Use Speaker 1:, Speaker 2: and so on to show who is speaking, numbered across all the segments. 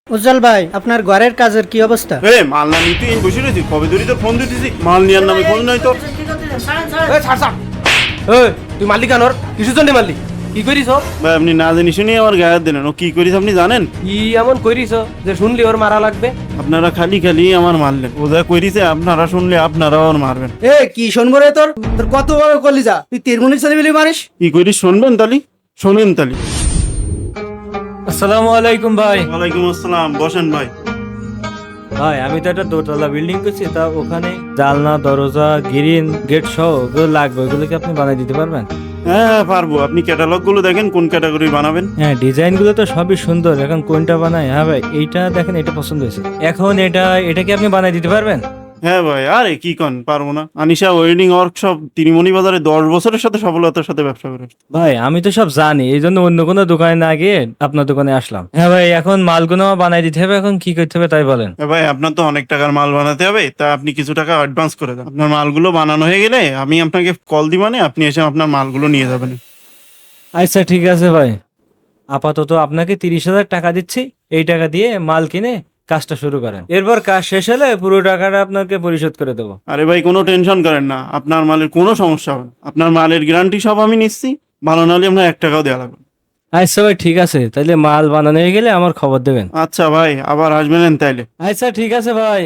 Speaker 1: উজ্জ্বল ভাই, আপনার ঘরের কাজের কি অবস্থা?
Speaker 2: মাল না নিতে বসে রয়েছি, কবে ধরে তোর ফোন দিতেছি, মাল নেওয়ার নামে ফোন নাই তো।
Speaker 3: তুই মারলি কেন? কিসের জন্য মারলি? কি করিস?
Speaker 2: ভাই আপনি না জানি শুনি আমার গায়ে হাত দিলেন, ও কি করিস আপনি জানেন?
Speaker 3: কি এমন করিস যে শুনলি ওর মারা লাগবে?
Speaker 2: আপনারা খালি খালি আমার মারলেন, ও যা করিছে আপনারা শুনলে আপনারাও আর মারবেন।
Speaker 4: কি শুনবো রে? তোর তোর কত বড় কলিজা, তুই তিরমুনি ছেলে মিলি মারিস?
Speaker 2: কি করিস শুনবেন তালি? শোনেন তালি।
Speaker 5: আসসালামু আলাইকুম ভাই।
Speaker 2: ওয়ালাইকুম আসসালাম, বসেন ভাই।
Speaker 5: ভাই আমি তো একটা দোতলা বিল্ডিং করছি, তা ওখানে জানলা দরজা গ্রিন গেট সহ ওগুলো লাগবে, ওগুলো কি আপনি বানিয়ে দিতে পারবেন?
Speaker 2: হ্যাঁ পারবো, আপনি ক্যাটালগ গুলো দেখেন কোন ক্যাটাগরি বানাবেন।
Speaker 5: হ্যাঁ, ডিজাইন গুলো তো সবই সুন্দর, এখন কোনটা বানাই? হ্যাঁ ভাই, এইটা দেখেন, এটা পছন্দ হয়েছে। এখন এটা কি আপনি বানিয়ে দিতে পারবেন?
Speaker 2: হ্যাঁ ভাই, আরে কি কন, পারবো না। আনিশা ওয়েডিং ওয়ার্কশপ তিরিমণি বাজারে 10 বছরের সাথে সফলতার সাথে ব্যবসা করে আসছে।
Speaker 5: ভাই আমি তো সব জানি, এই জন্য অন্য কোনো দোকানে না গিয়ে আপনার দোকানে আসলাম। হ্যাঁ ভাই, এখন মালগুলো বানাই দিতে হবে, এখন কি করতে হবে তাই বলেন।
Speaker 2: ভাই আপনার তো অনেক টাকার মাল বানাতে হবে, তা আপনি কিছু টাকা অ্যাডভান্স করে দেন। আপনার মালগুলো বানানো হয়ে গেলে আমি আপনাকে কল দিবানে, আপনি এসে আপনার মালগুলো নিয়ে যাবেন।
Speaker 5: আচ্ছা ঠিক আছে ভাই, আপাতত আপনাকে 30,000 টাকা দিচ্ছি, এই টাকা দিয়ে মাল কিনে কাজটা শুরু করেন, এরপর কাজ শেষ হলে পুরো টাকাটা আপনাকে পরিশোধ করে দেবো।
Speaker 2: আরে ভাই কোনো টেনশন করেন না, আপনার মালের কোনো সমস্যা হবে না। আপনার মালের গ্যারান্টি সব আমি নিচ্ছি, ভালো না হলে আপনার 1 টাকাও দেওয়া লাগবে।
Speaker 5: আচ্ছা ভাই ঠিক আছে, তাইলে মাল বানানো হয়ে গেলে আমার খবর দেবেন।
Speaker 2: আচ্ছা ভাই, আবার আসবেন তাইলে।
Speaker 5: আচ্ছা ঠিক আছে ভাই।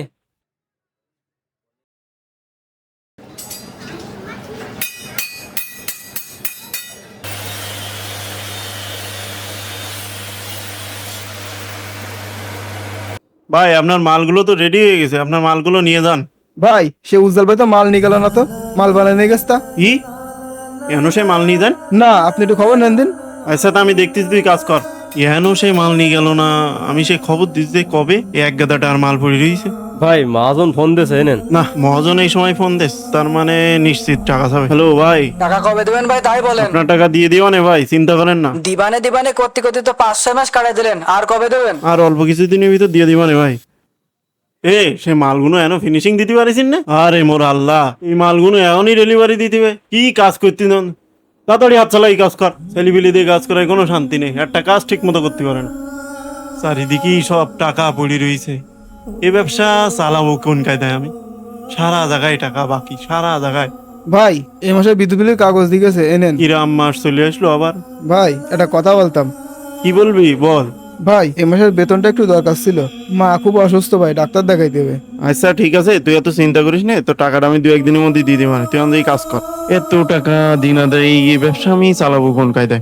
Speaker 2: ভাই আপনার মালগুলো তো রেডি হয়ে গেছে, আপনার মালগুলো নিয়ে যান।
Speaker 4: ভাই সে উজ্জ্বল ভাই তো মাল নিয়ে গেল না, তো মাল বানায় নিয়ে গেছে তা?
Speaker 2: কি এখনো সেই মাল নিয়ে যান?
Speaker 4: না, আপনি একটু খবর নেন দিন।
Speaker 2: আচ্ছা তা আমি দেখতেছি, তুই কাজ কর। এখনো সেই মাল নিয়ে গেল না, আমি সেই খবর দিচ্ছি কবে এক গাদাটা আর মাল পড়ে রয়েছে।
Speaker 3: ভাই মহাজন ফোন দিয়েছে, এনেন।
Speaker 2: না, মহাজন এই সময় ফোন দিস, তার মানে নিশ্চিত টাকা যাবে। হ্যালো ভাই,
Speaker 6: টাকা কবে দেবেন ভাই তাই বলেন।
Speaker 2: আপনার টাকা দিয়ে দিও না ভাই, চিন্তা করেন না।
Speaker 6: দিবানে দিবানে করতে করতে তো 5-6 মাস কাটাই দিলেন, আর কবে দেবেন?
Speaker 2: আর অল্প কিছুদিনের ভিতর দিয়ে দিবা না ভাই। সে মালগুলো এখনো ফিনিশিং দিতে পারিস না? আরে মোর আল্লাহ, এই মালগুলো এখনই ডেলিভারি দিতে হবে। কি কাজ করতে নন, তাড়াতাড়ি হাত চালাই কাজ কর। ছেলিবিলি দিয়ে কাজ করায় কোনো শান্তি নেই, একটা কাজ ঠিক মতো করতে পারে না। চারিদিকেই সব টাকা পড়ে রয়েছে, এ ব্যবসা চালাবো কোন কায়দায় আমি? সারা জায়গায় টাকা বাকি, সারা জায়গায়।
Speaker 4: ভাই এই মাসে বিদ্যুৎ বিলের কাগজ দিয়ে গেছে, এনেন।
Speaker 2: কিরাম মাস চলে আসলো আবার।
Speaker 4: ভাই একটা কথা বলতাম।
Speaker 2: কি বলবি বল।
Speaker 4: ভাই এই মাসের বেতনটা একটু দরকার ছিল, মা খুব অসুস্থ, ভাই ডাক্তার দেখাইতে হবে।
Speaker 2: আচ্ছা ঠিক আছে, তুই এত চিন্তা করিস না, তো টাকাটা আমি 2-1 দিনের মধ্যে দিয়ে দিই। মানে তুই আমাদের কাজ কর, এত টাকা দিন আদায়, এই ব্যবসা আমি চালাবো কোন কায়দায়?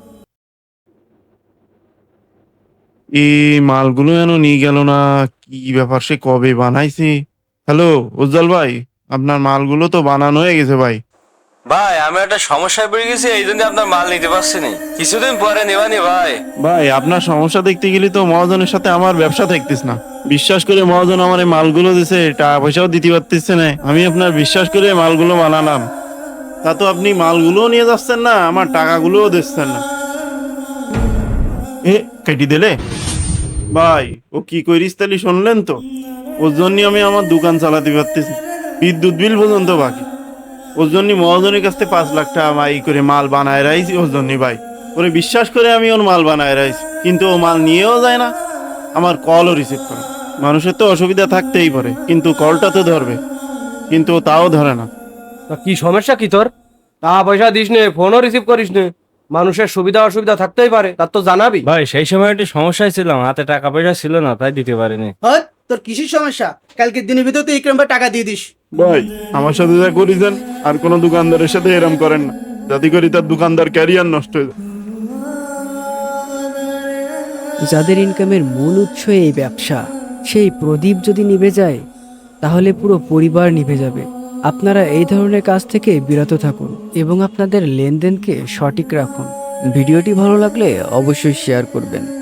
Speaker 2: এই মালগুলো যেন নিয়ে গেল না, কি ব্যাপার, সে কবে বানাইছে? হ্যালো উজ্জ্বল ভাই, আপনার মালগুলো তো বানানো হয়ে গেছে ভাই।
Speaker 7: ভাই আমি একটা সমস্যায় পড়ে গেছি, এই জন্য আপনার মাল নিতে পারছি না, কিছুদিন পরে নেবানি ভাই।
Speaker 2: ভাই আপনার সমস্যা দেখতে গেলে তো মহাজনের সাথে আমার ব্যবসা থাকতিস না। বিশ্বাস করে মহাজন আমার এই মালগুলো দিছে, টাকা পয়সাও দিতে পারতেছে না। আমি আপনার বিশ্বাস করে মালগুলো বানালাম, তা তো আপনি মালগুলোও নিয়ে যাচ্ছেন না, আমার টাকাগুলোও দিচ্ছেন না। কেটে দিলে ভাই, ও কি করিস তাহলে শুনলেন তো? ওর জন্য আমি আমার দোকান চালাতে পারতেছি, বিদ্যুৎ বিল পর্যন্ত বাকি। ওর জন্য মহাজনের কাছ থেকে 5 লাখ টাকা মাই করে মাল বানায় রাইছি ওর জন্য ভাই। ওরে বিশ্বাস করে আমি ওর মাল বানায় রাইছি, কিন্তু ও মাল নিয়েও যায় না, আমার কলও রিসিভ করে। মানুষের তো অসুবিধা থাকতেই পারে, কিন্তু কলটা তো ধরবে, কিন্তু ও তাও ধরে না।
Speaker 3: তা কি সমস্যা কি তোর? টাকা পয়সা দিস নে, ফোনও রিসিভ করিস নে। মানুষের সুবিধা অসুবিধা থাকতেই পারে, তার তো জানাবি।
Speaker 5: ভাই সেই সময় একটু সমস্যায় ছিলাম, হাতে টাকা পয়সা ছিল না, তাই দিতে পারিনি।
Speaker 4: হ্যাঁ, তোর কিসের সমস্যা? কালকে দিনের ভিতর তুই ইকরাম ভাই টাকা দিয়ে দিস।
Speaker 2: ভাই আমার সাথে যা করেছেন আর কোনো দোকানদারের সাথে এরম করেন না, যাতে করে তার দোকানদার ক্যারিয়ার নষ্ট হয়ে যায়।
Speaker 8: যাদের ইনকামের মূল উৎস এই ব্যবসা, সেই প্রদীপ যদি নিভে যায় তাহলে পুরো পরিবার নিভে যাবে। আপনারা এই ধরনের কাজ থেকে বিরত থাকুন এবং আপনাদের লেনদেনকে সঠিক রাখুন। ভিডিওটি ভালো লাগলে অবশ্যই শেয়ার করবেন।